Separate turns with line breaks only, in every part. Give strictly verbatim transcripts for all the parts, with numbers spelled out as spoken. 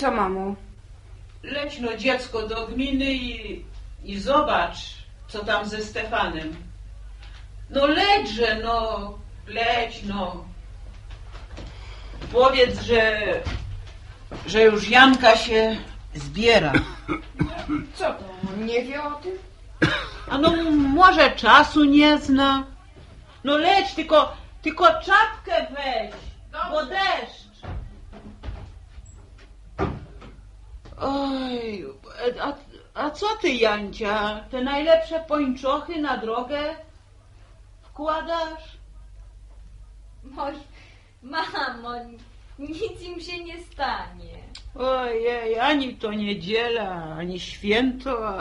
Co, mamo?
Leć no dziecko do gminy i, i zobacz, co tam ze Stefanem. No lećże, no, leć, no. Powiedz, że, że już Janka się zbiera.
Co to, on nie wie o tym?
A no może czasu nie zna. No leć, tylko, tylko czapkę weź, bo deszcz. Oj, a, a co ty, Jancia? Te najlepsze pończochy na drogę wkładasz?
Moż, mamo, nic im się nie stanie.
Ojej, ani to niedziela, ani święto.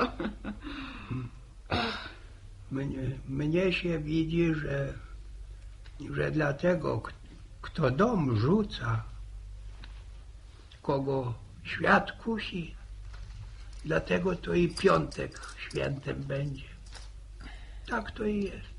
Mnie, mnie się widzi, że, że dlatego, kto dom rzuca, kogo świat kusi, dlatego to i piątek świętem będzie. Tak to i jest.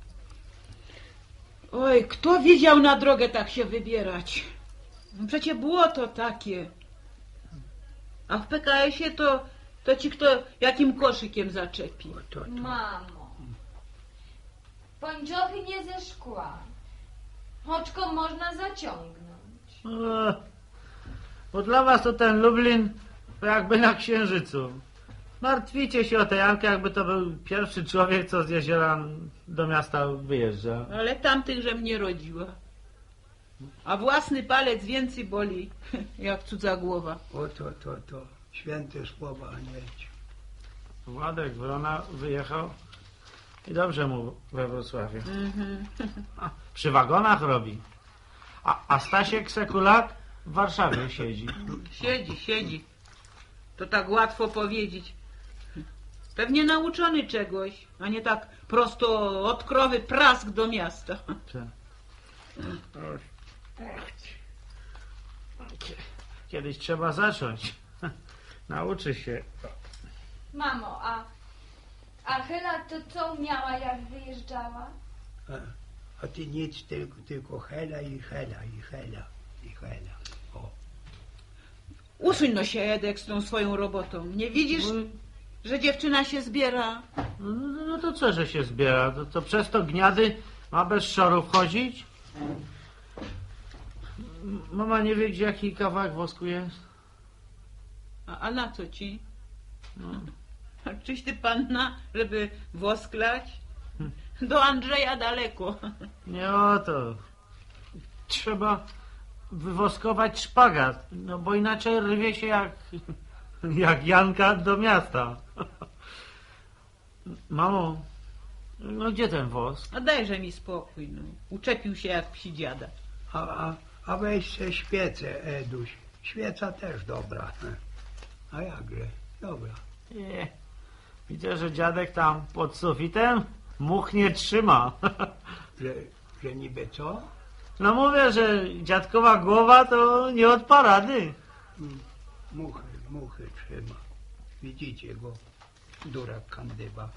Oj, kto wiedział na drogę tak się wybierać? Przecie było to takie. A w P K S-ie to, to ci kto jakim koszykiem zaczepi.
O, to, to.
Mamo, pończochy nie ze szkła. Oczko można zaciągnąć.
O, bo dla was to ten Lublin to jakby na Księżycu. Martwicie się o tę Jankę, jakby to był pierwszy człowiek, co z jeziora do miasta wyjeżdża.
Ale tamtych, że mnie rodziła. A własny palec więcej boli, jak cudza głowa.
O to, to, to. Święte słowa, Anielciu.
Władek Wrona wyjechał i dobrze mu we Wrocławiu. A, przy wagonach robi. A, a Stasiek Sekulak w Warszawie siedzi.
Siedzi, siedzi. To tak łatwo powiedzieć. Pewnie nauczony czegoś, a nie tak prosto od krowy prask do miasta.
Kiedyś trzeba zacząć. Nauczy się.
Mamo, a, a Chyla to co miała, jak wyjeżdżała?
A, a ty nic, tylko, tylko hela i hela i hela i hela. O.
Usuń no się, Edek, z tą swoją robotą. Nie widzisz, że dziewczyna się zbiera?
No, no, no to co, że się zbiera? To, to przez to gniady ma bez szorów chodzić? Mama nie wie, gdzie jaki kawałek wosku jest?
A, a na co ci?
No.
A czyś ty panna, żeby wosklać? Do Andrzeja daleko.
Nie o to. Trzeba wywoskować szpagat, no bo inaczej rwie się jak, jak Janka do miasta. Mamo, no gdzie ten wosk?
A dajże mi spokój, no. Uczepił się jak psi dziada.
A, a, a weź se świecę, Eduś. Świeca też dobra. A jakże? Dobra.
Nie. Widzę, że dziadek tam pod sufitem much nie trzyma.
Że, że niby co?
No mówię, że dziadkowa głowa to nie od parady.
Muchy, muchy trzyma. Widzicie go? Durak kandyba.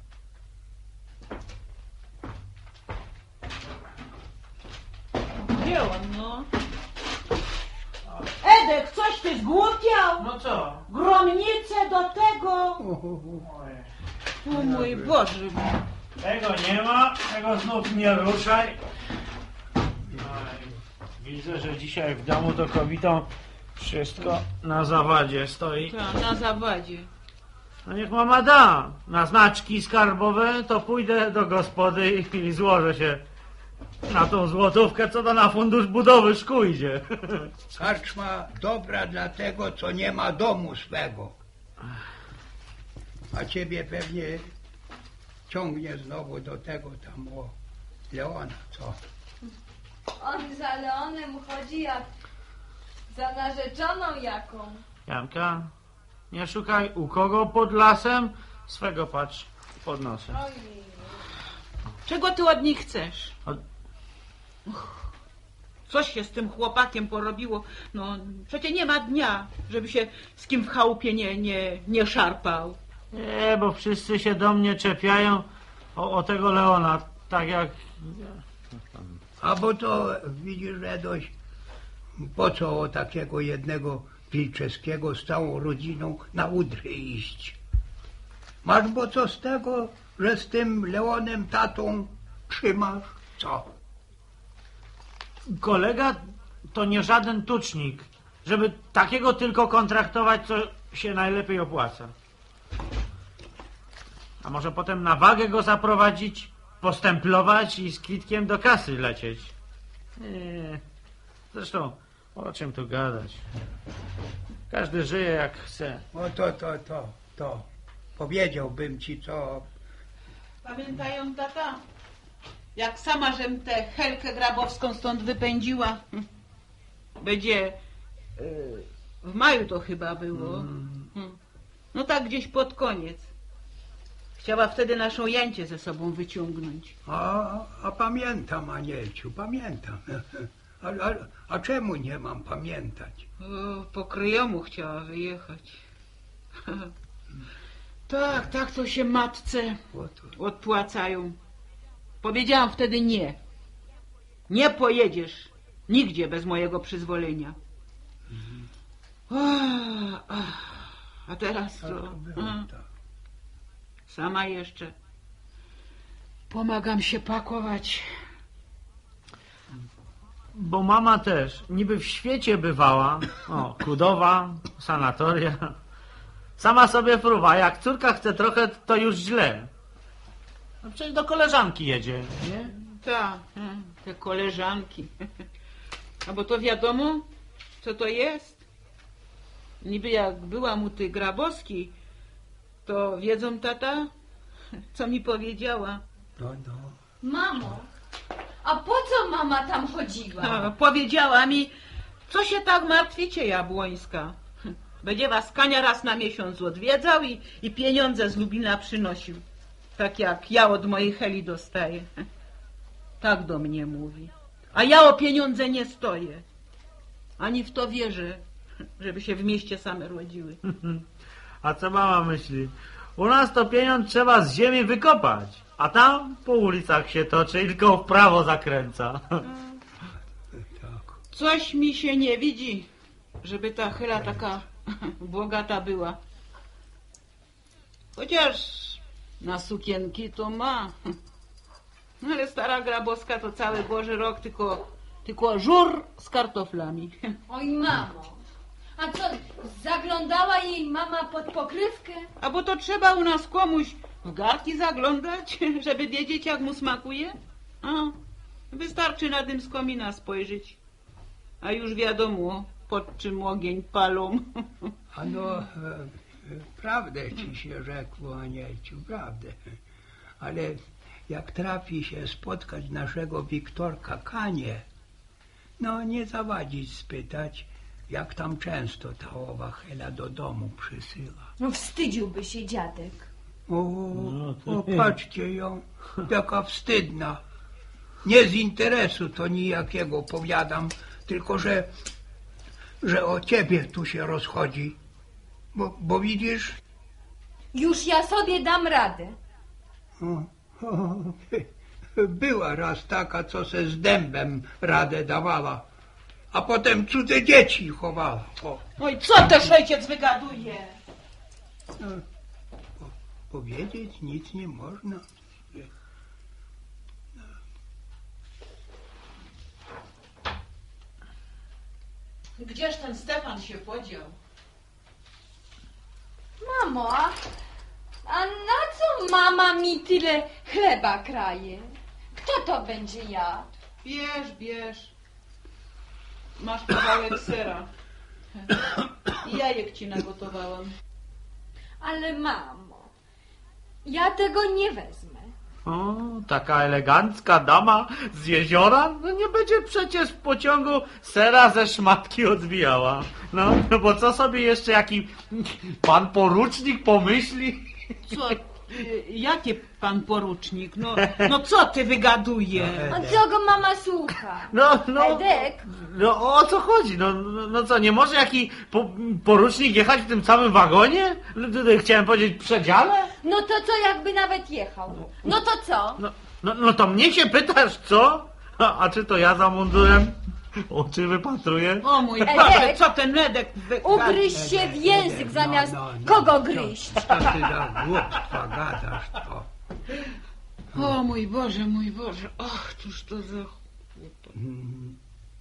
Gdzie on, no? Edek, coś ty zgłupiał?
No co?
Gromnicę do tego?
Ojej.
O mój Boże.
Tego nie ma, tego znów nie ruszaj. Widzę, że dzisiaj w domu to kobietą wszystko na zawadzie stoi.
Ta, na zawadzie.
No niech mama da. Na znaczki skarbowe to pójdę do gospody i, i złożę się na tą złotówkę, co to na fundusz budowy szkół idzie.
Karczma dobra dla tego, co nie ma domu swego. A ciebie pewnie ciągnie znowu do tego tam o Leona, co?
On za Leonem chodzi jak za narzeczoną jaką.
Janka, nie szukaj u kogo pod lasem, swego patrz pod nosem.
Ojej.
Czego ty od nich chcesz?
Od...
Coś się z tym chłopakiem porobiło. No, przecież nie ma dnia, żeby się z kim w chałupie nie, nie, nie szarpał.
Nie, bo wszyscy się do mnie czepiają o, o tego Leona, tak jak...
A bo to widzisz, Edoś, po co o takiego jednego Pilczeskiego z całą rodziną na Udry iść. Masz bo co z tego, że z tym Leonem tatą trzymasz? Co?
Kolega to nie żaden tucznik, żeby takiego tylko kontraktować, co się najlepiej opłaca. A może potem na wagę go zaprowadzić, postemplować i z kwitkiem do kasy lecieć? Nie. Zresztą o czym tu gadać? Każdy żyje jak chce.
O to, to, to, to. Powiedziałbym ci co.
Pamiętają, tata? Jak sama żem tę Helkę Grabowską stąd wypędziła. Będzie y, w maju to chyba było. Hmm. No tak gdzieś pod koniec. Chciała wtedy naszą Jancię ze sobą wyciągnąć.
A, a pamiętam, Anielciu, pamiętam. A, a, a czemu nie mam pamiętać?
O, po kryjomu chciała wyjechać. Tak, tak to się matce
Oto.
odpłacają. Powiedziałam wtedy nie. Nie pojedziesz nigdzie bez mojego przyzwolenia. O, a teraz
Tak
to...
to było,
a,
tak.
sama jeszcze. Pomagam się pakować.
Bo mama też niby w świecie bywała. O, Kudowa, sanatoria. Sama sobie fruwa. Jak córka chce trochę, to już źle. No przecież do koleżanki jedzie, nie?
Tak, te koleżanki. A bo to wiadomo, co to jest? Niby jak byłam u tej Grabowskiej, to wiedzą, tata, co mi powiedziała?
No, no.
Mamo, a po co mama tam chodziła?
A, powiedziała mi, co się tak martwicie, Jabłońska. Będzie was Kania raz na miesiąc odwiedzał i, i pieniądze z Lublina przynosił. Tak jak ja od mojej Heli dostaję. Tak do mnie mówi. A ja o pieniądze nie stoję. Ani w to wierzę, żeby się w mieście same rodziły.
A co mama myśli? U nas to pieniądz trzeba z ziemi wykopać, a tam po ulicach się toczy i tylko w prawo zakręca.
Tak.
Coś mi się nie widzi, żeby ta Hela taka bogata była. Chociaż na sukienki to ma. Ale stara Grabowska to cały Boży rok tylko, tylko żur z kartoflami.
Oj, mamo, a co, zaglądała jej mama pod pokrywkę?
A bo to trzeba u nas komuś w garki zaglądać, żeby wiedzieć, jak mu smakuje? A, wystarczy na dym z komina spojrzeć. A już wiadomo, pod czym ogień palą.
Ano, e, e, prawdę ci się rzekło, Anielciu, prawdę. Ale jak trafi się spotkać naszego Wiktorka Kanie, no nie zawadzić spytać, jak tam często ta owa Hela do domu przysyła.
No wstydziłby się dziadek.
O,
No to-
o, patrzcie ją, jaka wstydna. Nie z interesu to nijakiego powiadam, tylko że, że o ciebie tu się rozchodzi. Bo, bo widzisz,
Już ja sobie dam radę.
o, o, była raz taka, co se z dębem radę dawała, a potem cudze dzieci chowała. O,
Oj, co też ojciec wygaduje?
no, po, powiedzieć nic nie można.
Gdzież ten Stefan się podział?
Mamo, a, a na co mama mi tyle chleba kraje? Kto to będzie jadł?
Bierz, bierz. Masz kawałek sera. I jajek ci nagotowałam.
Ale mamo, ja tego nie wezmę.
O, taka elegancka dama z jeziora? No nie będzie przecież w pociągu sera ze szmatki odbijała. No, no bo co sobie jeszcze jaki pan porucznik pomyśli?
Co? y, Jakie pan porucznik? No, no co ty wygaduje?
A co go mama słucha?
No, no,
Edek?
no o co chodzi? No, no, no co, nie może jaki po, porucznik jechać w tym samym wagonie? No, to- to Chciałem powiedzieć przedziale?
No to co jakby nawet jechał? No to co?
No, no, no to mnie się pytasz, co? A, a czy to ja za mundurem? Oczy wypatruje.
O mój
Edek!
Boże, co ten Edek wy...
Ugryź się w język zamiast kogo gryźć.
Co, co ty za głupstwa gadasz to?
O mój Boże, mój Boże. Och, cóż to za...
Mhm.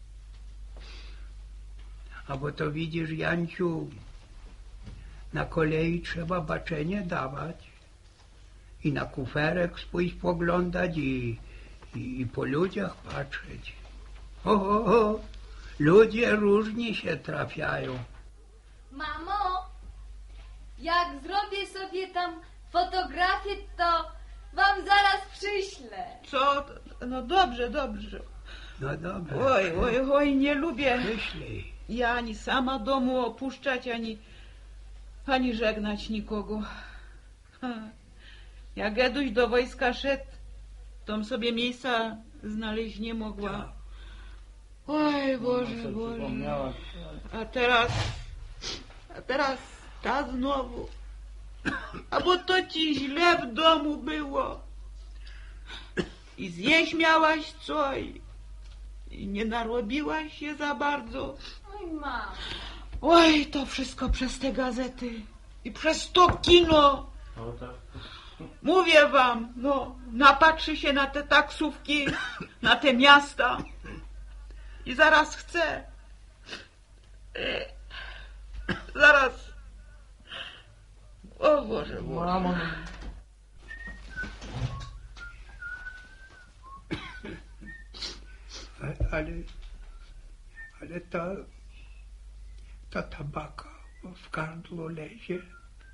A bo to widzisz, Janciu, na kolei trzeba baczenie dawać i na kuferek swój spoglądać i, i, i po ludziach patrzeć. O, o, o, ludzie różni się trafiają.
Mamo, jak zrobię sobie tam fotografię, to wam zaraz przyślę.
Co? No dobrze, dobrze.
No dobra,
Oj, oj, oj, nie lubię
wyślij.
ja ani sama domu opuszczać, ani, ani żegnać nikogo. Ha. Jak Eduś do wojska szedł, tom sobie miejsca znaleźć nie mogła. Oj, Boże, Boże. A teraz, a teraz ta znowu. A bo to ci źle w domu było. I zjeść miałaś co i, i nie narobiłaś się za bardzo.
Oj, mamo.
Oj, to wszystko przez te gazety i przez to kino.
O, tak.
Mówię wam, no, napatrzy się na te taksówki, na te miasta i zaraz chce. E, zaraz. O Boże, Boże.
Mamo.
A- Ale, ale ta, ta tabaka w gardło lezie.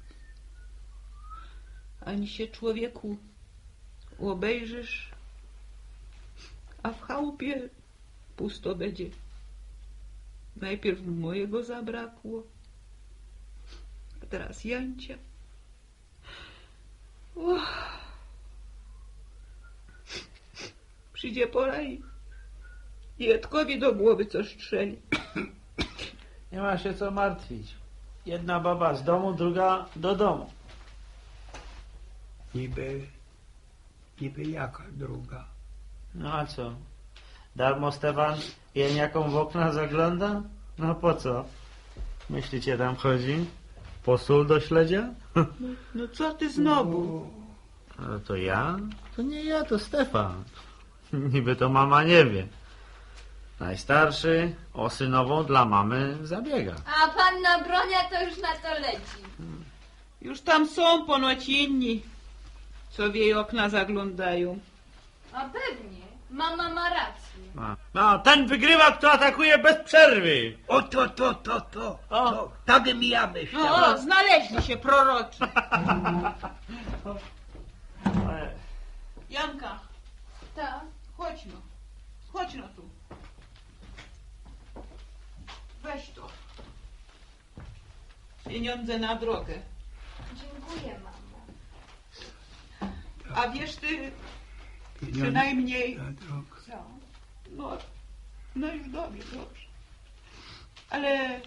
Ani się człowieku obejrzysz, a w chałupie pusto będzie. Najpierw mojego zabrakło, a teraz Jancia. Uch. Przyjdzie pora i i Edkowi do głowy co strzeli.
Nie ma się co martwić. Jedna baba z domu, druga do domu.
Niby, niby jaka druga.
No a co? Darmo Stefan jeniaką w okna zagląda? No po co? Myślicie tam chodzi? Po sól do śledzia?
No co ty znowu?
Ale to ja? To nie ja, to Stefan. Niby to mama nie wie. Najstarszy o synową dla mamy zabiega.
A panna Bronia to już na to leci.
Już tam są ponoć inni, co w jej okna zaglądają.
A pewnie. Mama ma rację.
A. No, ten wygrywa, kto atakuje bez przerwy.
O to, to, to, to,
O.
to. Tak bym ja myślał.
No, o, znaleźli się proroczy. Janka,
Tak.
chodź no. Chodź no tu. Weź to. Pieniądze na drogę.
Dziękuję, mamo.
A wiesz ty, przynajmniej...
Na drogę.
Co?
No, no już dobrze, dobrze. Ale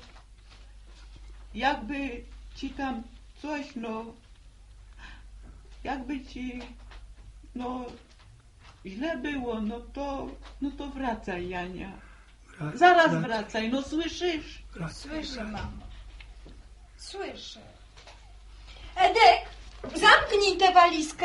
jakby ci tam coś, no, jakby ci, no, źle było, no to, no to wracaj, Jania.
Wrac-
Zaraz
wrac-
wracaj, no słyszysz?
wrac-
Słyszę, mamo. Słyszę. Edek, zamknij tę walizkę.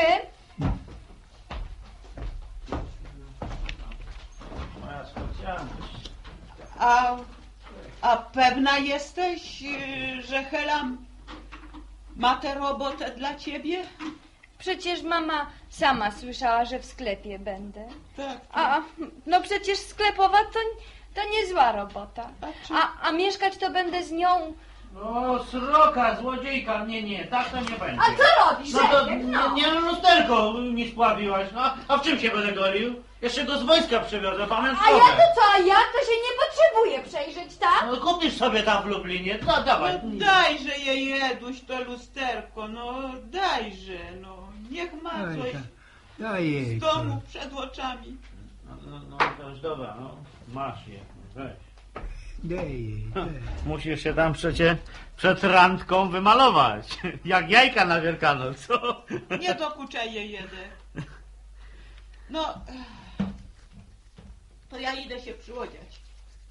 Moja specjalność.
A, a pewna jesteś, y, że Hela ma tę robotę dla ciebie?
Przecież mama sama słyszała, że w sklepie będę.
Tak.
A, no przecież sklepowa to, to niezła robota.
A czy-
A, a mieszkać to będę z nią.
O, sroka, złodziejka, nie, nie, tak to nie będzie.
A co robisz,
No to
Edek,
nie,
no?
nie no, lusterko nie spławiłaś, no. A w czym się będę golił? Jeszcze go z wojska przywiozę, pamiętam.
A ja to co, a ja to się nie potrzebuję przejrzeć, tak?
No kupisz sobie tam w Lublinie, no dawaj.
No dajże jej Eduś to lusterko, no dajże, no. Niech ma
Daj,
coś
daj, daj jej
z
to.
domu przed oczami.
No, no, no to już dobra, no. Masz je, weź.
Daj jej, daj.
Musisz się tam przecie przed randką wymalować. Jak jajka na Wielkanoc, co?
Nie dokuczaj jej jedę. No, to ja idę się przyodziać.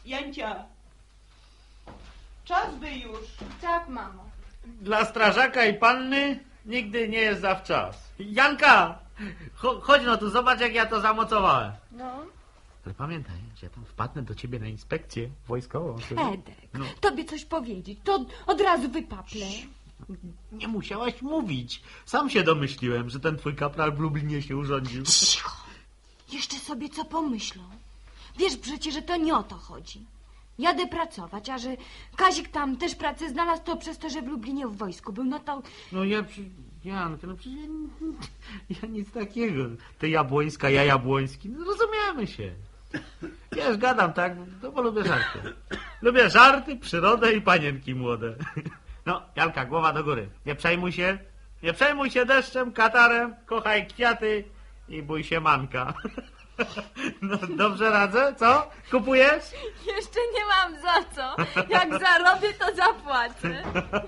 Jancia, czas by już.
Tak, mamo.
Dla strażaka i panny nigdy nie jest zawczas. Janka, cho chodź no tu, zobacz jak ja to zamocowałem.
No.
Ale pamiętaj, że ja tam wpadnę do ciebie na inspekcję wojskową.
Edek,
No.
tobie coś powiedzieć, to od razu wypaplę.
Nie musiałaś mówić. Sam się domyśliłem, że ten twój kapral w Lublinie się urządził.
Cicho. Jeszcze sobie co pomyślą. Wiesz przecież, że to nie o to chodzi. Jadę pracować, a że Kazik tam też pracę znalazł, to przez to, że w Lublinie w wojsku był, no to...
No ja, przy... Janka, no przecież ja, ja nic takiego. Ty Jabłońska, ja Jabłoński, no rozumiemy się. Wiesz, gadam tak, no bo lubię żarty. Lubię żarty, przyrodę i panienki młode. No, Janka, głowa do góry. Nie przejmuj się, nie przejmuj się deszczem, katarem, kochaj kwiaty i bój się manka. No, dobrze radzę, co? Kupujesz?
Jeszcze nie mam za co. Jak zarobię, to zapłacę.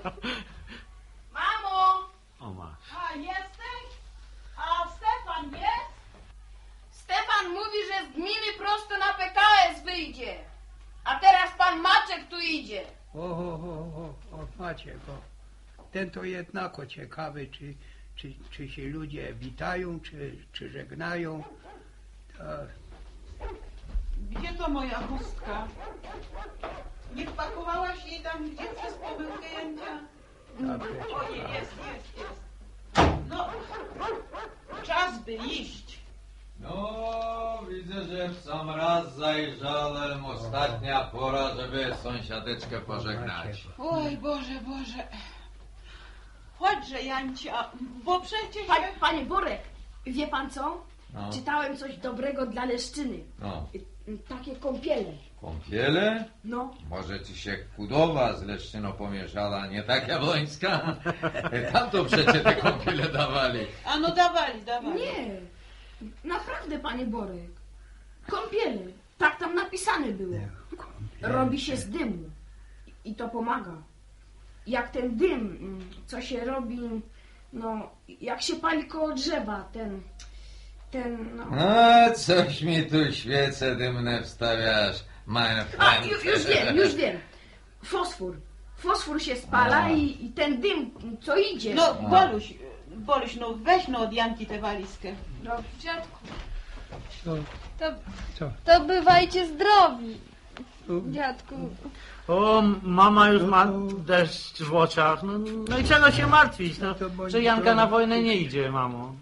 Mamo!
O masz.
A jesteś? A Stefan jest? Stefan mówi, że z gminy prosto na P K S wyjdzie. A teraz pan Maczek tu idzie.
O, o, o, o, o Maciek, o. Ten to jednako ciekawy, czy, czy, czy się ludzie witają, czy, czy żegnają. To...
Gdzie to moja chustka? Nie wpakowałaś jej tam gdzie przez pomyłkę, Jancia?
Dobrze,
Ojej, jest, jest, jest. No, czas by iść.
No, widzę, że w sam raz zajrzałem. Ostatnia pora, żeby sąsiadeczkę pożegnać.
Oj, Boże, Boże. Chodźże, Jancia, bo przecież...
Pa, panie Borek, wie pan co?
No.
Czytałem coś dobrego dla Leszczyny.
No,
Y, Takie kąpiele.
kąpiele?
No.
Może ci się kudowa z Leszczyną pomieszała, nie tak Jabłońska? Tam to przecież te kąpiele dawali.
A no dawali, dawali.
Nie. Naprawdę, panie Borek. Kąpiele. Tak tam napisane było. Robi się z dymu. I- I to pomaga. Jak ten dym, mm, co się robi, no, jak się pali koło drzewa, ten, ten, no.
No, coś mi tu świece dymne wstawiasz, mein
A,
Freund.
ju, już wiem, już wiem. Fosfor. Fosfor się spala
A.
i, i ten dym, co idzie.
No, Boluś, Boluś, no weź no od Janki tę walizkę.
No, dziadku,
Co?
to,
Co?
to bywajcie zdrowi,
No,
dziadku.
O, mama już
No
ma
to-
deszcz w oczach. No, no i czego się martwić? No,
To bądź
że Janka
zdrowa.
na wojnę nie idzie, mamo.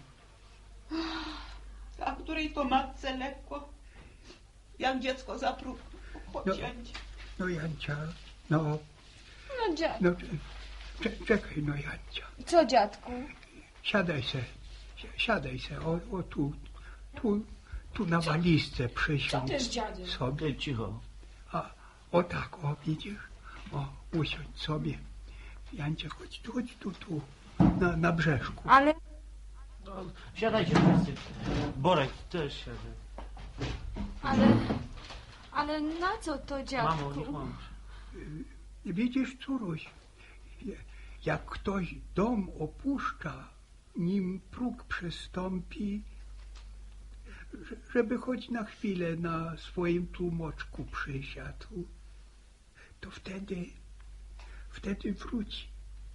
A której to matce lekko? Jak dziecko zapróg. Chodź,
No.
Jancia.
no Jancia, no,
No, dziadku.
no cze- czekaj, no Jancia.
Co, dziadku?
Siadaj se, si- siadaj se, o, o tu, tu, tu na walizce przysiądź
dziadzie.
sobie.
Ty cicho.
A, o tak, o widzisz, o, usiądź sobie. Jancia, chodź tu, chodź tu, tu, na, na brzeszku.
Ale,
No, siadajcie wszyscy. Borek, też siadaj.
ale, ale na co to, dziadku?
Mamo, niech mamo.
Widzisz, córuś, jak ktoś dom opuszcza, nim próg przystąpi, że- żeby choć na chwilę na swoim tłumoczku przysiadł, to wtedy, wtedy wróci.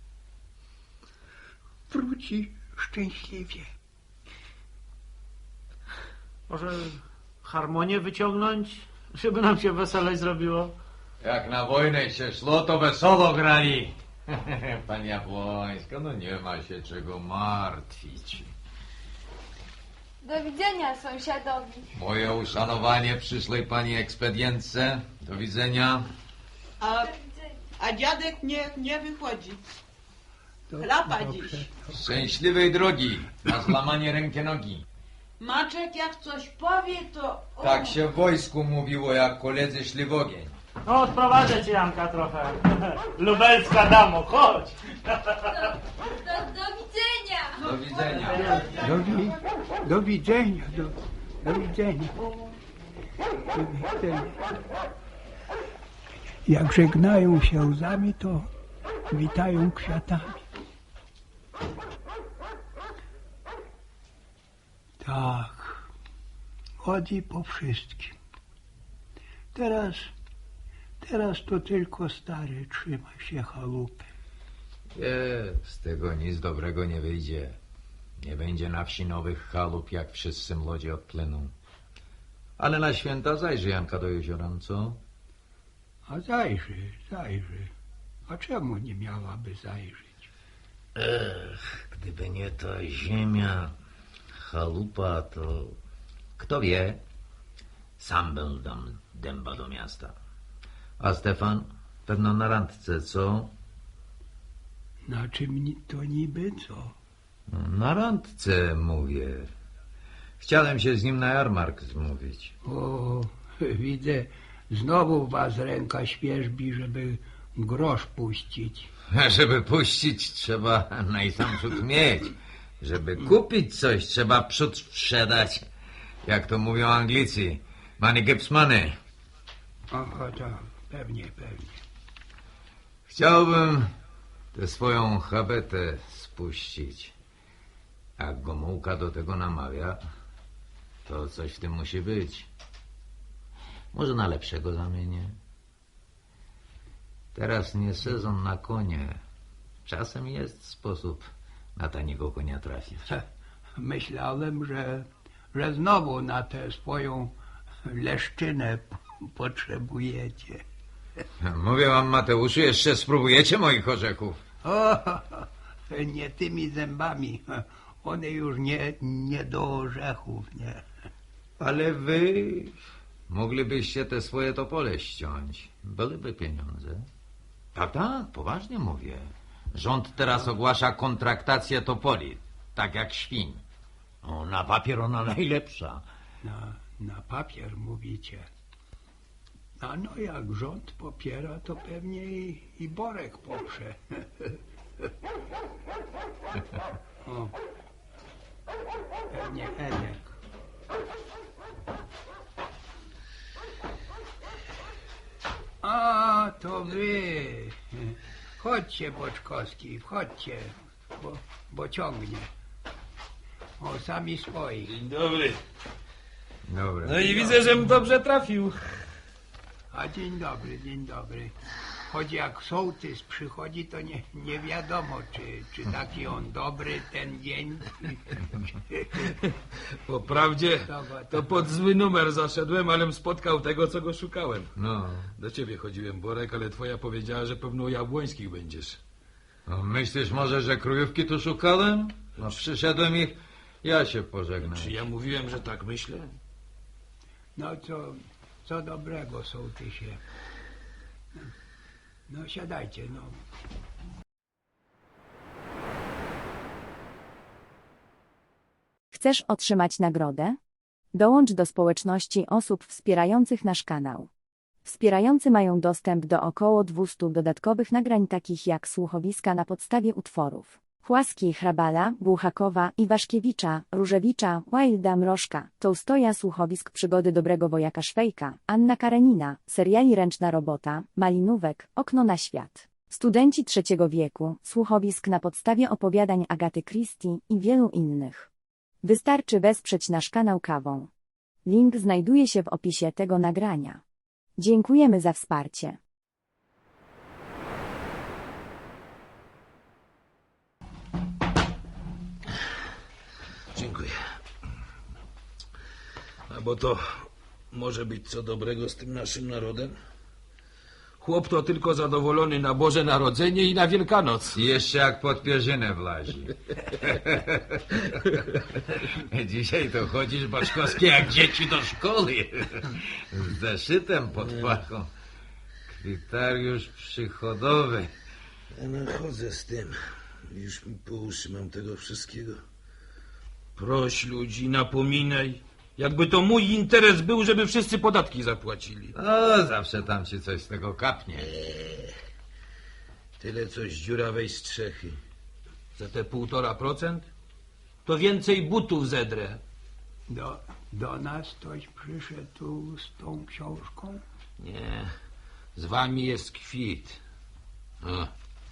Wróci szczęśliwie.
Może harmonię wyciągnąć, żeby nam się weselej zrobiło?
Jak na wojnę się szło, to wesoło grali. Pan Jabłońska, no nie ma się czego martwić.
Do widzenia, sąsiadowi.
Moje uszanowanie przyszłej pani ekspedientce. Do widzenia.
A, a dziadek nie, nie wychodzi.
To
Chlapa
dobrze.
dziś.
Szczęśliwej drogi na złamanie ręki nogi.
Maczek jak coś powie, to... o,
Tak się w wojsku mówiło, jak koledzy szli w ogień.
No, odprowadzę cię, Janka, trochę. Lubelska damo, chodź.
Do, do widzenia.
Do widzenia.
Do, wi- do widzenia, do, do widzenia. Do widzenia. Jak żegnają się łzami, to witają kwiatami. Tak, chodzi po wszystkim. Teraz teraz to tylko stary trzyma się chałupy.
Nie, z tego nic dobrego nie wyjdzie. Nie będzie na wsi nowych chalup, jak wszyscy młodzi odpłyną. Ale na święta zajrzy Janka do jeziora, co?
A zajrzy, zajrzy. A czemu nie miałaby zajrzeć?
Ech, gdyby nie ta ziemia, chalupa, to... Kto wie? Sam bym dam dęba do miasta. A Stefan? Pewno na randce, co?
Na czym ni- to niby co?
Na randce, mówię. Chciałem się z nim na jarmark zmówić.
O, widzę, znowu was ręka świerzbi, żeby grosz puścić.
Żeby puścić, trzeba najsamprzód mieć. Żeby kupić coś, trzeba przód sprzedać. Jak to mówią Anglicy. Money gives money.
Aha, tak, pewnie, pewnie.
Chciałbym tę swoją habetę spuścić. Jak Gomułka do tego namawia, to coś w tym musi być. Może na lepszego zamienię. Teraz nie sezon na konie. Czasem jest sposób na taniego konia trafić.
Myślałem, że, że znowu na tę swoją leszczynę p- potrzebujecie.
Mówię wam, Mateuszu, jeszcze spróbujecie moich orzechów.
O, nie tymi zębami. One już nie, nie do orzechów, nie.
Ale wy moglibyście te swoje topole ściąć. Byłyby pieniądze. Tak, tak, poważnie mówię. Rząd teraz ogłasza kontraktację topoli, tak jak świń. O, na papier ona najlepsza.
Na, na papier mówicie. A no jak rząd popiera, to pewnie i, i Borek poprze. O, pewnie Edek. A, to wy. Chodźcie, Boczkowski, wchodźcie, bo, bo ciągnie. O, sami swoi.
Dzień dobry.
Dobra.
No i widzę, żem dobrze trafił.
A dzień dobry, dzień dobry. Choć jak sołtys przychodzi, to nie, nie wiadomo, czy, czy taki on dobry ten dzień.
Po prawdzie to pod zły numer zaszedłem, alem spotkał tego, co go szukałem.
No,
Do ciebie chodziłem, Borek, ale twoja powiedziała, że pewno u Jabłońskich będziesz.
no myślisz może, że królówki tu szukałem? No przyszedłem ich, ja się pożegnam.
Czy ja mówiłem, że tak myślę?
No co, co dobrego, sołtysie. No siadajcie, no.
Chcesz otrzymać nagrodę? Dołącz do społeczności osób wspierających nasz kanał. Wspierający mają dostęp do około dwustu dodatkowych nagrań takich jak słuchowiska na podstawie utworów Chłaski, Hrabala, Buchakowa, Iwaszkiewicza, Różewicza, Wilda, Mrożka, Tołstoja, słuchowisk Przygody Dobrego Wojaka Szwejka, Anna Karenina, seriali Ręczna Robota, Malinówek, Okno na świat. Studenci trzeciego wieku, słuchowisk na podstawie opowiadań Agaty Christie i wielu innych. Wystarczy wesprzeć nasz kanał kawą. Link znajduje się w opisie tego nagrania. Dziękujemy za wsparcie.
Dziękuję. A bo to może być co dobrego z tym naszym narodem? Chłop to tylko zadowolony na Boże Narodzenie i na Wielkanoc.
I jeszcze jak pod pierzynę wlazi. Dzisiaj to chodzisz, Boczkowski, jak dzieci do szkoły. Z zeszytem pod pachą. Kwitariusz przychodowy.
Ja no chodzę z tym. Już mi po uszy mam tego wszystkiego. Proś ludzi, napominaj. Jakby to mój interes był, żeby wszyscy podatki zapłacili.
O, zawsze tam ci coś z tego kapnie.
Tyle coś dziurawej strzechy. Za te półtora procent? To więcej butów zedrę.
Do, do nas ktoś przyszedł tu z tą książką?
Nie, z wami jest kwit. O,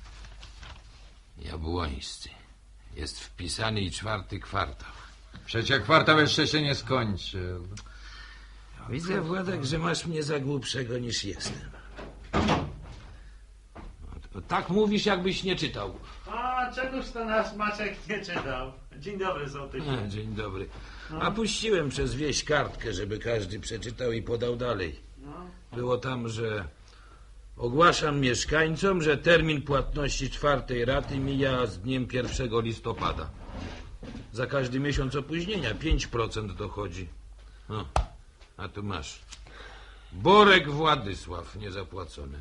Jabłońscy. Jest wpisany i czwarty kwartał.
Przecie kwartał jeszcze się nie skończył.
Widzę, Władek, że masz mnie za głupszego niż jestem. Tak mówisz, jakbyś nie czytał.
A czegoż to nasz Maciek nie czytał? Dzień dobry, sołtysie.
E, dzień dobry. A puściłem przez wieś kartkę, żeby każdy przeczytał i podał dalej. Było tam, że ogłaszam mieszkańcom, że termin płatności czwartej raty mija z dniem pierwszego listopada. Za każdy miesiąc opóźnienia pięć procent dochodzi. No, a tu masz. Borek Władysław, niezapłacone.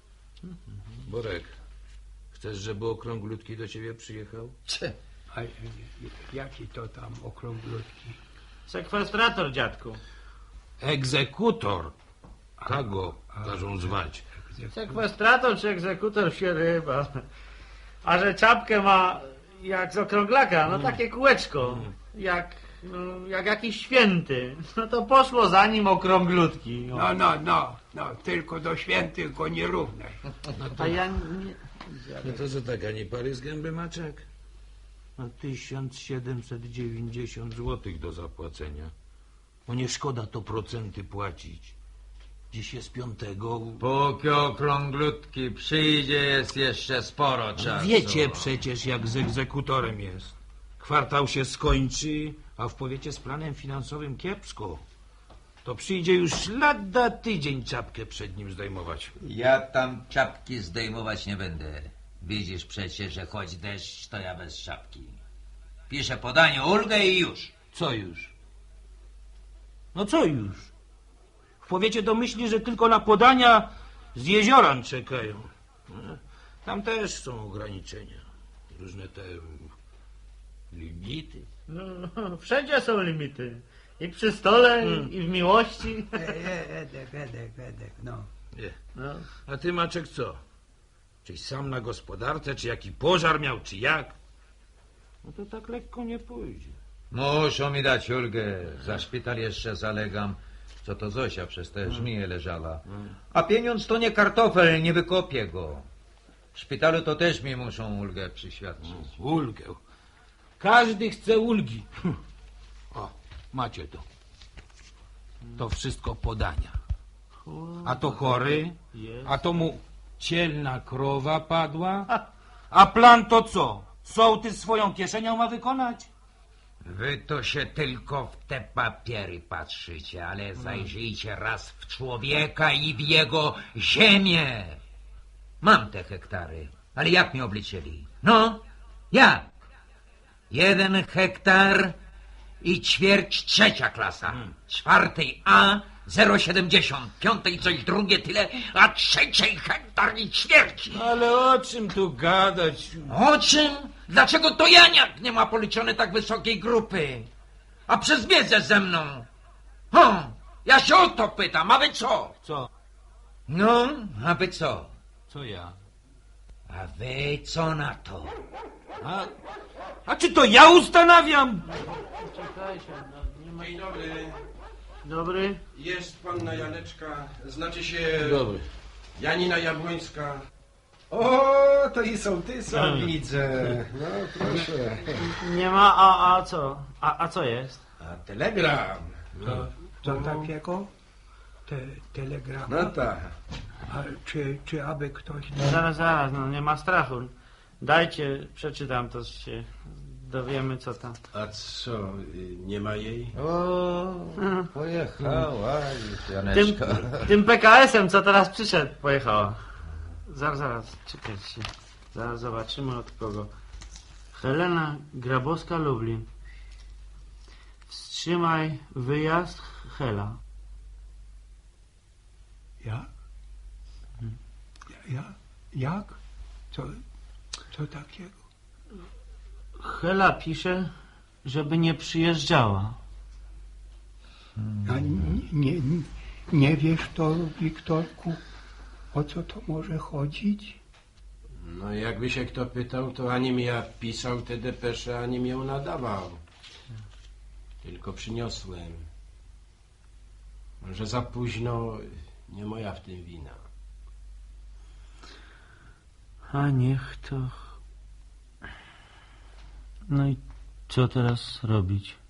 Borek, chcesz, żeby okrąglutki do ciebie przyjechał?
A e, jaki to tam okrąglutki?
Sekwestrator, dziadku.
Egzekutor. Tak go każą zwać.
Sekwestrator czy egzekutor się ryba. A że czapkę ma jak z okrąglaka, no takie kółeczko. Jak, no, jak jakiś święty. No to poszło za nim okrąglutki. O.
No, no, no, no, tylko do świętych go nie równaj.
A ja nie...
No to co tak, ani pary z gęby, Maczek? No tysiąc siedemset dziewięćdziesiąt złotych do zapłacenia. No nie szkoda to procenty płacić. Dziś jest piątego.
Póki okrąglutki przyjdzie, jest jeszcze sporo czasu.
Wiecie przecież, jak z egzekutorem jest. Kwartał się skończy, a w powiecie z planem finansowym kiepsko. To przyjdzie już lada tydzień czapkę przed nim zdejmować.
Ja tam czapki zdejmować nie będę. Widzisz przecież, że choć deszcz, to ja bez czapki. Piszę podanie ulgę i już.
Co już? No co już? W powiecie domyśli, że tylko na podania z jezioran czekają. Tam też są ograniczenia. Różne te limity.
No, wszędzie są limity. I przy stole,
Hmm.
i w miłości.
E, e, Edek, Edek, Edek, no.
Nie.
No.
A ty, Maczek, co? Czyś sam na gospodarce, czy jaki pożar miał, czy jak? No to tak lekko nie pójdzie.
Muszą mi dać ulgę. Za szpital jeszcze zalegam. Co to Zosia przez te żmije leżała. A pieniądz to nie kartofel, nie wykopię go. W szpitalu to też mi muszą ulgę przyświadczyć.
Ulgę. Każdy chce ulgi. O, macie to. To wszystko podania. A to chory, a to mu cielna krowa padła. A plan to co? Sołtys swoją kieszenią ma wykonać?
Wy to się tylko w te papiery patrzycie, ale zajrzyjcie raz w człowieka i w jego ziemię. Mam te hektary, ale jak mi obliczyli? No, jak? Jeden hektar i ćwierć trzecia klasa. Czwartej A zero siedemdziesiąt, piątej coś drugie tyle, a trzeciej hektar i ćwierć.
Ale o czym tu gadać?
O czym? Dlaczego to Janiak nie ma policzone tak wysokiej grupy? A przez wiedzę ze mną. O, ja się o to pytam, a wy co?
Co?
No, a wy co?
Co ja?
A wy co na to?
A, a czy to ja ustanawiam?
Czekajcie, no, nie ma...
Dzień dobry.
Dobry.
Jest panna Janeczka. Znacie się
Dobry.
Janina Jabłońska. O, to i sołtysa widzę. No proszę.
Nie ma, a, a co? A, a co jest?
A telegram.
To, co takiego? Te, telegrama?
No tak.
A czy, czy aby ktoś...
Zaraz, zaraz, no nie ma strachu. Dajcie, przeczytam, to się dowiemy, co tam.
A co, y, nie ma jej?
O, pojechała już
Tym,
Janeczka.
tym P K S-em, co teraz przyszedł, pojechała. Zaraz, zaraz, czekajcie. Zaraz zobaczymy od kogo. Helena Grabowska, Lublin. Wstrzymaj wyjazd, Hela.
Ja? Ja? Jak? Co, co takiego?
Hela pisze, żeby nie przyjeżdżała.
A nie, nie, nie wiesz to, Wiktorku, o co to może chodzić?
No jakby się kto pytał, to ani mi ja pisał te depesze, ani mi ją nadawał. Tylko przyniosłem. Może za późno, nie moja w tym wina.
A niech to... No i co teraz robić?